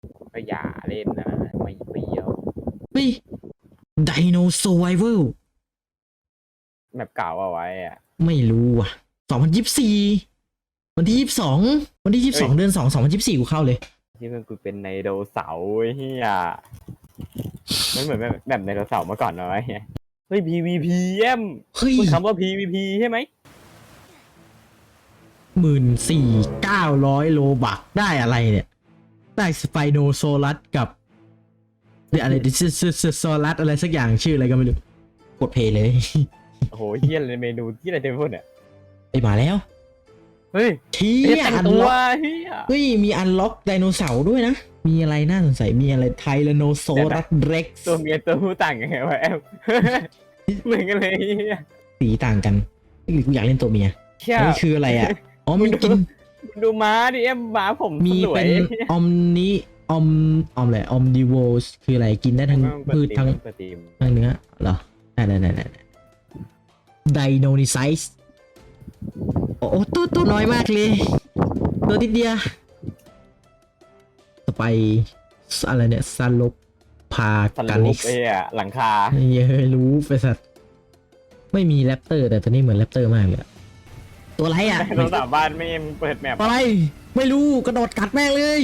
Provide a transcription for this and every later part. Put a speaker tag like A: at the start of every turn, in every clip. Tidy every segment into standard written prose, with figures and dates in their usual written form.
A: ก็อย่าเล่นนะไม่เปรี้ยว
B: เฮ้ย Dino Survival
A: แบบเก่าเอาไว้อะ
B: ไม่รู้อ่ะ2024วันที่22วันที่22เดือน2 2024กูเข้าเลย
A: ที่มันกูเป็นไดโนเสาร์ไอ้เฮียมันเหมือนแบบไดโนเสาร์เมื่อก่อนน้อยเฮ้ย PVP เอ็ม
B: เฮ้ย
A: พูดคำว่า PVP ใช่ไหม
B: 14,900 โลบักได้อะไรเนี่ย ได้สไปโนโซลัสกับเดี๋ยวอะไรโซลัสอะไรสักอย่างชื่ออะไรก็ไม่รู้กดเพลย์เลย
A: โอ้โหเฮียอะไรเมนูที่อะไรเต็มไปหมดเนี่ย
B: ไปมาแล้ว
A: เฮ้ย
B: เที่
A: เฮีย
B: ย
A: แต่ง
B: อัน
A: ตัว
B: ล็อก
A: เฮีย
B: เฮ้ยมีอันล็อกไดโนเสาร์ด้วยนะ มีอะไรน่าสงสัยมีอะไรไทแรโนโซรัสเร็กซ์
A: ตัวเมียตัวผู้ต่างกันไงวะแอม เหมือนกันเลยเฮีย
B: สีต่างกันหรือกูอยากเล่นตัวเมีย
A: เฮีย
B: อันนี้คืออะไรอ่ะอ๋อมีกิน
A: ดูม้าดิเอ็มม้าผม
B: มี
A: สว
B: เป็
A: ย
B: นอมนิอมอะไรอมดิโวสคืออะไรกินได้ทั้งพืชทั้ง
A: เปิดตีม
B: เนื้อเหรอได้ไดโนนิไซส์โอ้โหตัวน้อยมากเลย ตัวนิดเดียวต่อไปอะไรเนี่ยซาลบพา
A: สัน
B: กา
A: ลุ
B: นิ
A: ก
B: ก
A: ไอ้อะหลังคา
B: เย้ยรู้ไปสัตว์ไม่มีแรปเตอร์แต่ตัวนี้เหมือนแรปเตอร์มากเลยอะตัวอะไรอ่ะ
A: เราสามบ้านไม่เอ็มเปิดแมป
B: ตัวอะไรไม่รู้กระโดดกัดแม่งเลย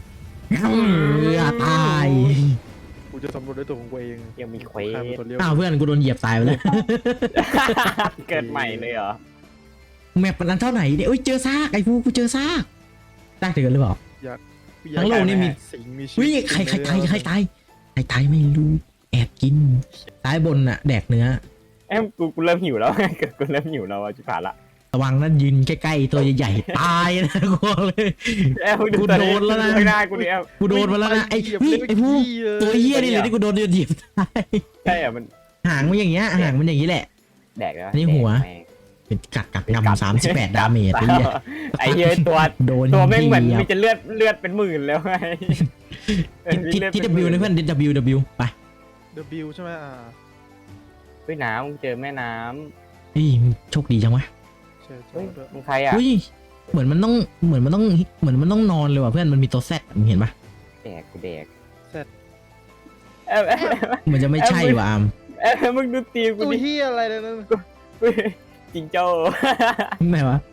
B: ตาย
C: กูจะสำรวจด้วยตัวของกูเอง
A: ยังมีเควส
C: ข้ามตัวเลี้ยว
B: อ้าวเพื่อนกูโดนเหยียบตายไปแล้ว
A: เกิดใหม่เลยเหรอ
B: แมปมันอันเท่าไหร่เนี่ยเอ้ยเจอซากไอ้ฟูกูเจอซากได้ถึงกันหรือเปล่า ทั้งโลกนี่มี
C: สิ่งมีชี
B: เฮ้ย
C: วิต
B: ใครตายใครตายไม่รู้แอบกินซ้ายบนน่ะแดกเนื้อ
A: เอ็มกูเริ่มหิวแล้วกูเริ่มหิวแล้วจิผ่านละ
B: ระวังนั่นยืนใกล้ๆตัวใหญ่ๆตายนะกูบอกเลย
A: เอ็ม
B: กูโดนแล้วนะ
A: ไม่ได้กูเนี่ย
B: กูโดนมาแล้วนะไอ้ผู้ตัวเหี้ยนี่เลยที่กูโดนเหยียบตาย
A: ใช่อะมัน
B: หางมันอย่างเงี้ยหางมันอย่างนี้แหละ
A: แดกแล้ว
B: อันนี้หัว เป็นกัดงำ38 ดาเมจไอ้เหี้ย
A: ไอ้เหี้ยตัว
B: โดน
A: ตัวแม่งเหมือน
B: หยียบ
A: มีจะเลือดเป็นหมื่นแล้วไง
B: ที่ W นะเพื่อน W ไป
C: W ใช่ไหม
A: เฮ้ยน้ำเจอแม่น้
B: เฮ้ยโชคดีจังวะ
C: ใช่
A: ำ
C: ใช่
A: เฮ้ย
C: ด้วย
A: มึงใครอ่ะ
B: เฮ้ยเหมือนมันต้องนอนเลยว่ะเพื่อนมันมีตัวแซดมึงเห็นปะ
A: แดกกูแดก
C: เสร็จ
A: เอ็ม
B: มันจะไม่ใช่ว่ะอาม
A: มึงดูตีมกู
C: ตัว
A: ดิ
C: เฮียอะไรเนี่ยนั่น
A: จิงโจ้
B: ไหนวะ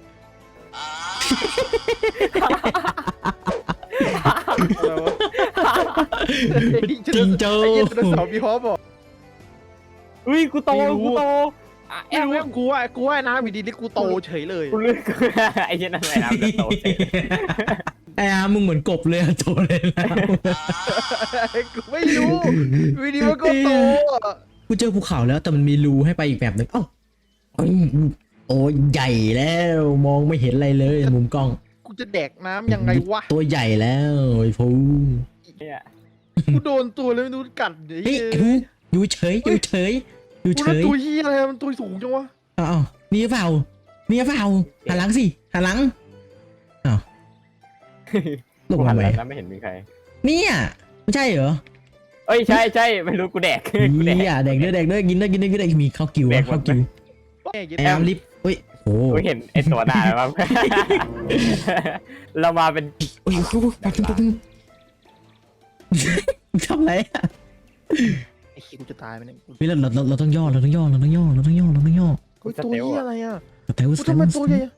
C: อะไรวะ
B: จิงโจ้
C: ไอ้เหี้ยไดโนเสาร์มีฮอปบอก
A: อุ้ยกูโต
C: ไม่รู้
A: กูโต
C: แอมกูว่าน้ำอยู่ดีๆกูโตเฉยเลย
A: กูเลือกไอ้เหี้ยนั่นแหละน้ำจะโตเสร็จ
B: ไอ้อามมึงเหมือนกบเลยอะโตเลยนะ
C: กูไม่รู้วิดีมันก็โตอะ
B: กูเจอภูเขาแล้วแต่มันมีรูให้ไปอีกแบบหนึ่งเอ้าโอ้ยใหญ่แล้วมองไม่เห็นอะไรเลยมุมกล้อง
C: กูจะแดกน้ำยังไงวะ
B: ตัวใหญ่แล้วไอ้ฟู
A: เนี่ย
C: กูโดนตัวเลยไม่รู้กัดเดี๋ยว
B: เฮ้ยไอ้ฟูอยู่เฉย
C: กูแล้วตัวเฮียอะไรมันตัวสูงจังวะ
B: อ้าวนี่เปล่าหันหลังสิหันหลังอ้าวลง
A: กู
B: มา
A: หัน
B: ไหม
A: หลังแล้วไม่เห็นมีใคร
B: เนี่ยไม่ใช่เหรอ
A: เอ้ยใช่ไม่รู้กูแดกกูแดก
B: เนี่ยแดกด้วยกินด้วยมีข้าวกิ้ว
A: แดกหมด
B: ข้าวกิ้ว
C: แม่เย็ด
B: แอมลิฟเฮ้ยโอ้
A: กูเห็นไอ้ตัวหน้าแล้วมั้งเรามาเป็น
B: โอ้ยปัดทำไรอ่ะ
C: ไอ้ขี้กูจะตายไปเนี่ย
B: เฮ้ยเราต้องย่อ
C: เฮ้ยตัวเฮียอะไรอ่ะ
B: แต่ว่า
C: กูทำไมตัวใหญ่อะ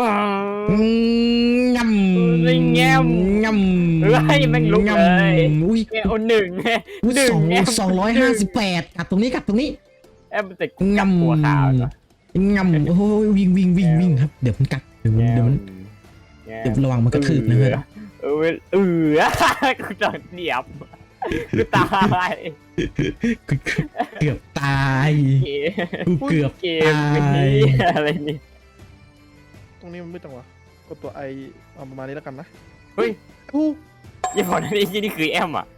B: งำ
A: แง้ม
B: งำ
A: เฮ้ยแม่งลุกเลย
B: อุ้ย
A: เนี่ยหนึ่งแง้ม
B: 258กัดตรงนี้
A: แอมแต่กูจับหัวขาวเหรอง
B: ำโอ้ยวิ่งครับเดี๋ยวมันกัดเดี๋ยวมันระวังมันกระทืบนะเพื่อน
A: กูโดนเหยียบกูตาย
B: เกือบตายกูเกือบ
A: เกม
B: ตาย
A: อะไรนี่
C: ตรงนี้มันไม่จังวะกดตัวไอเอาประมาณนี้แล้วกันนะ
A: เฮ้ย
C: กู
A: อย่าบอกนะนี่คือแอมอ่ะ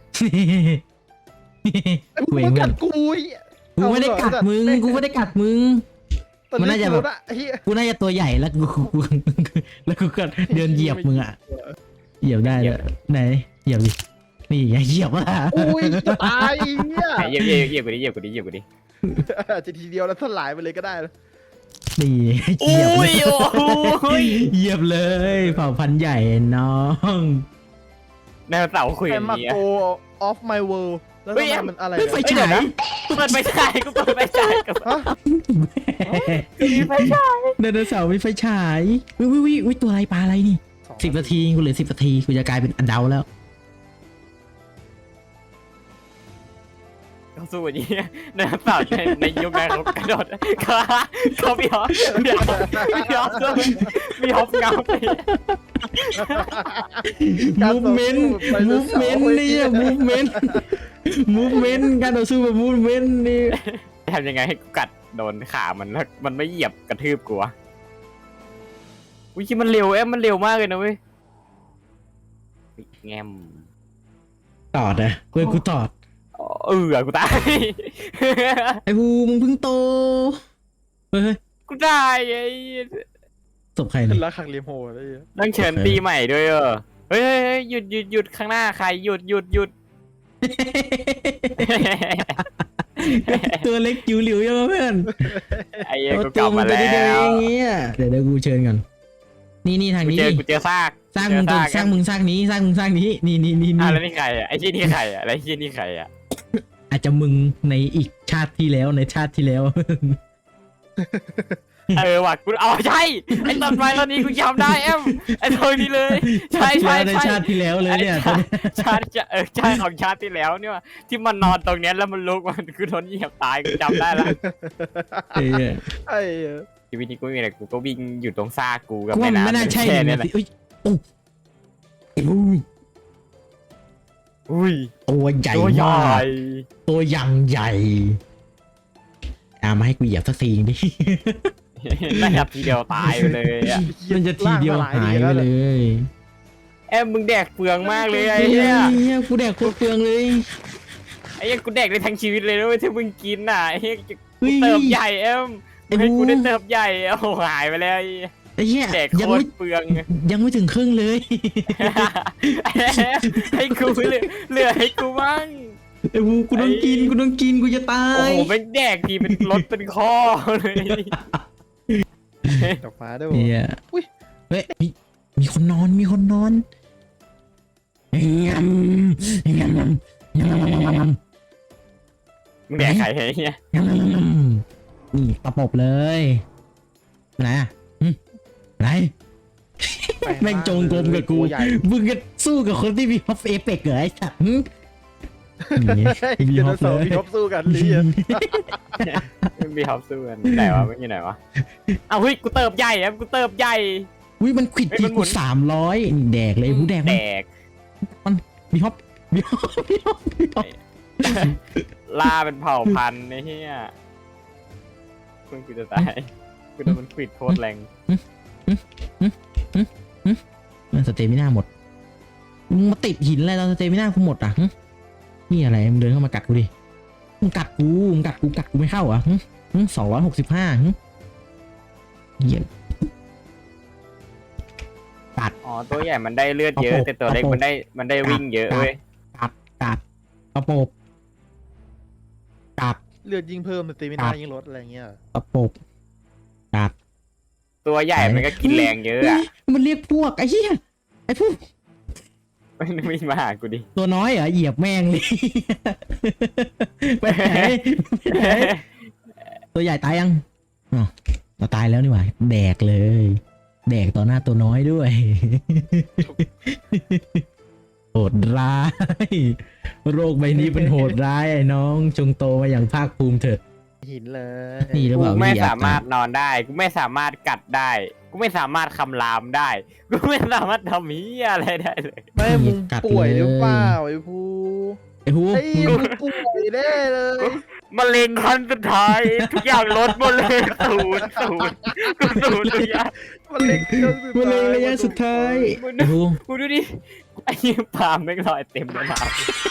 B: กูเอง
C: มัน
B: เพื่
C: กั
B: อน
C: ดกู
B: กูไม่ได้กัดมึงมันน่าจะแบบ
C: ไอ้เหี้ย
B: กูน่าจะตัวใหญ่แล้วกูก็เดินเหยียบมึงอ่ะเหยียบได้เลยไหนเหยียบดินี่ไงเหยียบอ่ะ
C: อุ้ยจะตายเนี่ย
A: เหยียบกูดิ
C: จะทีเดียวแล้วสลายไปเลยก็ได้แล้ว
B: นี่เหยียบเลยเหยียบเลยเผ่าพันธุ์ใหญ่น้อง
A: ไดโนเสาร์คุย
C: ไอ
A: อย่าง
C: มา
A: นี้
C: โก off my world แล้ว
A: เฮ้
C: ทำ
A: ย
C: ไมมันอะไร
B: เฮ้ยไฟ
C: เนี่ย
B: ฉาย
A: เปิดไฟฉายกูเปิดไฟฉายกับ
C: ฮะ
A: มีไฟฉาย
B: ไดโนเสาร์มีไฟฉายวิตัวอะไรปลาอะไรนี่10 นาทีกูเหลือ10 นาทีกูจะกลายเป็นอันเดาแล้ว
A: เขาสู้อย่างนี้ไดโนเสาร์ในยุคนั้นเขากระโดดเขามีฮอปมีฮอปสู้มีฮอปเงาไป
B: มูฟเมนต์เนี่ยมูฟเมนต์การต่อสู้แบบมูฟเมนต์นี่
A: ทำยังไงให้กูกัดโดนขามันแล้วมันไม่เหยียบกระทืบกูวะอุ้ยมันเร็วมันเร็วมากเลยนะเว้ยแงม
B: ตอดอะกูตอด
A: กูตาย
B: ไอ้ภูมึงเพิ่งโตเฮ้ย
A: กูตายไอ้
B: ศพใคร
C: ขึ้
B: เนี่
C: น
B: ย
C: รักขังเลียมโหดเลย
A: ต้องเชิญตีใหม่ด้วยเฮ้ยหยุดข้างหน้าใครหยุด
B: ตัวเล็กจิ๋วหลิวยังเพื่อน
A: ไอ้เหี้ย
B: เอา
A: กูก
B: ตั
A: ลั
B: ว
A: บ
B: มึ
A: มาง
B: ไป
A: แล้
B: เดียว
A: ว
B: เองเงี้ยเดี๋ยวกูเชิญก่อนนี่ทางนี้
A: กูเจอซาก
B: สร้างมึงตัวสร้างมึงสร้างนี้นี่
A: แล้วนี่ใครอ่ะไอ้ที่นี่ใครอ่ะแล้วที่นี่ใครอ่ะ
B: อาจจะมึงในอีกชาติที่แล้วในชาติที่แล้ว
A: ว่ะกูเอาใช่ไอ้ต้นไม้ต้นนี้กูจำได้ไอ้ตัวนี้เลยใช่
B: ในชาติที่แล้วเลยเนี่ย
A: ชาติใช่ของชาติที่แล้วเนี่ยที่มันนอนตรงเนี้ยแล้วมันลุกมันคือโดนเหยียบตายกูจำได้ละ
B: เออ
C: ไอ้
A: ชีวิตนี้กูไม่มีอะไรกูก็วิ่งอยู่ตรงซากกูกับ
B: กูว่า
A: แม่
B: มัน
A: น้ำ
B: ไม่น่าใช่
A: แค่นี้แหละ
B: เอ้ยโอ้ไอ้บู
A: อุ้ย
B: ตัวใหญ่
A: ตัวใหญ่
B: มากตัวยังใหญ่มาให้กูเหยียบสักทีดิ
A: น่าจะทีเดียวตายไปเลยอ่ะ
B: มันจะทีเดียวหายไปเลย
A: มึงแดกเปลืองมากเลยไอ้เหี้ย
B: กูแดกโคตรเปลืองเลย
A: ไอ้เหี้ยกูแดกได้ทั้งชีวิตเลยนะเว้ยที่มึงกินน่ะไอ้เหี้ย
B: เฮ้ย
A: เติบใหญ่มึงให้
B: ไอ้บู
A: กูได้เติบใหญ่โอ้โหหายไปแล้ว
B: ไอ้เหี้ย
A: แดก
B: ยัง
A: โคต
B: ไม่
A: รเปลือง
B: ยังไม่ถึงครึ่งเลย
A: ให้กูเหลือให้กูบ้าง
B: ไอ้บูกูต้องกินกูจะตา
A: โอ้
B: ย
A: โหเป็นแดกทีเป็นรถเป็นข้อเลย
C: ดอกฟ้าด้วย
B: เนี่ย
C: อุ้ย
B: เฮ้ยมีคนนอนงำงำ
A: มึงแดกใครไอ้เหี้ย
B: นี่ประปบเลยอะไรอะอะไรแม่งจงกรมกับกู
C: ใหญ่
B: มึงก็สู้กับคนที่มีฮอปเอเปกเหรอไอ้สัตว์มี
C: มี
B: ฮ
C: ฮ
B: อ
C: อ
B: ป
C: ป
B: เลย
C: มีฮอปสู้กันลีอะ
A: มึงมีฮอปสู้กันไหนวะไม่อยู่ไหนวะเอาเฮ้ยกูเติบใหญ่กูเติบใหญ่
B: อุ้ยมันขวิด
A: เฮ้ย
B: ที
A: มันหมุ
B: กู
A: น
B: 300นี่แดกเลยหูแดก
A: แด
B: มัน
A: ก
B: มีฮอป
A: ล่าเป็นเผ่าพันธุ์ไอ้เหี้ยมึงกูจะตายกูโดนมันขวิดโคตรแรง
B: สเตมิน่าหมดมึงมาติดหินอะไรตอนสเตมิน่ากูหมดอ่ะนี่อะไรมึงเดินเข้ามากัดกูดิมึงกัดกูไม่เข้าอ่ะ265เหี้ย
A: อ๋อตัวใหญ่มันได้เลือดเยอะแต่ตัวเล็กมันได้วิ่งเยอะเว้ย
B: กัดกระโปบกัด
C: เลือดยิ่งเพิ่มสเตมินายิ่งลดอะไรเงี้ย
B: กระโปบกัด
A: ตัวใหญ่มันก็กินแรงเยอะอ่ะ
B: มันเรียกพวกไอ้เหี้ยไอ้พวก
A: มันไม่มาหากูดิ
B: ตัวน้อยเหรอเหยียบแม่งเลยไปไหนตัวใหญ่ตายยังอ๋อเราตายแล้วนี่หว่าแดกเลยแดกต่อหน้าตัวน้อยด้วยโหดร้ายโรคใบนี้เป็นโหดร้ายไอ้น้องจงโตมาอย่างภาคภูมิเถิด
C: หินเลย
B: นี่หรือเป
A: กู
B: ล่า
A: ไม่
B: วิทย
A: สามารถนอนได้กูไม่สามารถกัดได้กูไม่สามารถคำรามได้กูไม่สามารถทำเหี้ยอะไรได้เลย
C: ไม่มึงป่วยหรือเปล่าไอ้ภู
B: ไอ้ฮู
C: ไอ้มึงป่วยแน่เลย
A: มะเร็งขั้นสุดท้ายทุกอย่างลดหมดเลยศูนย์ทุกอย่าง
C: มันเล็ก
B: มันเลยระยะสุดท้ายไอ้ฮู
A: กูดูดิไอ้ยี่ปามไม่งลอยเต็มเลยนะ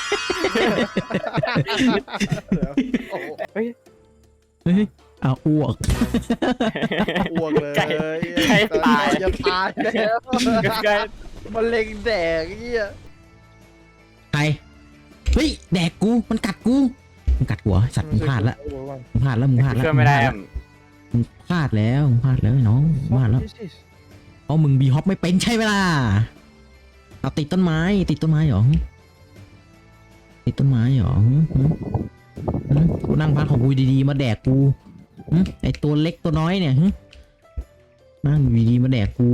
A: เฮ้ย
B: เฮ้ยเอาอ้วก
C: อ้วกเลย
A: ใกล้ตาย
C: จะตายแล้ว
A: ใกล้
C: มันเล็งแดกเงี้ย
B: ใครเฮ้ยแดกกูมันกัดกูมันกัดหัวสัตว์มึงพลาดละมึงพลาดแล้ว
A: ช่วยไม่ได้
B: มึงพลาดแล้วไอ้น้องมึงพลาดแล้วเพราะมึงบีฮอปไม่เป็นใช่ไหมล่ะเอาติดต้นไม้ติดต้นไม้เหรอติดต้นไม้เหรอกูนั่งพักของกูดีๆมาแดกกูไอตัวเล็กตัวน้อยเนี่ยนั่งดีๆมาแดกกู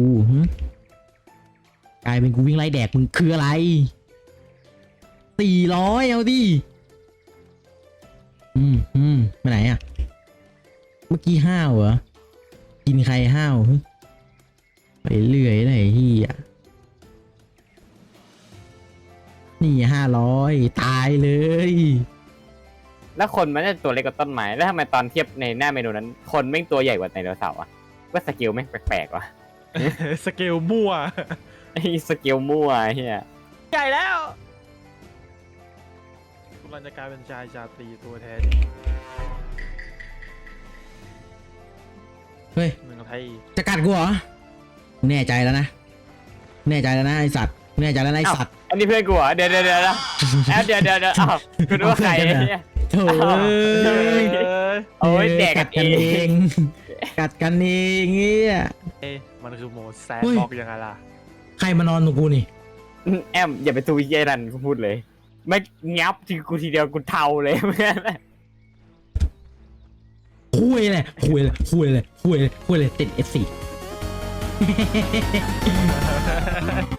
B: กลายเป็นกูวิ่งไล่แดกมึงคืออะไร400เอาดิไปไหนอ่ะเมื่อกี้ห้าวเหรอกินใครห้าวไปเรื่อยไหนที่อ่ะนี่500ตายเลย
A: แล้วคนมันจะตัวเล็กกว่าต้นไม้แล้วทำไมตอนเทียบในหน้าเมนูนั้น คนแม่งตัวใหญ่กว่าไดโนเสาร์อะว่าสเกลแม่งแปลกๆว่ะ
C: สเกลมั่ว
A: ไอ้สเกลมั่วไอ้เฮีย
C: ใหญ่แล้วกำลังจะกลายเป็นชายชาตรีตัวแท้
B: เฮ้ย
C: เมืองไทย
B: จะกัดกูเหรอแน่ใจแล้วนะแน่ใจแล้วนะไอสัตว์แน่ใจแล้วนะไอสัตว์
A: อันนี้เพื่อนกูเหรอเดี๋ยวแอบเดี๋ยวอ้าวกูนึกว่าใครไอ้เฮีย
B: โถ่เอ้ย
A: โอ้ยแดกกันเอง
B: กัดกันเองเงี้ย
C: มันคือโหมดแซน
B: เฮ้ย
C: บ็อกยังไงล่ะ
B: ใครมานอนตรงกูนี่
A: แอมอย่าไปตูเยนันกูพูดเลย ไม่งับทีกูทีเดียวกูเทาเลยเพื่อน
B: คุยเลยติด F4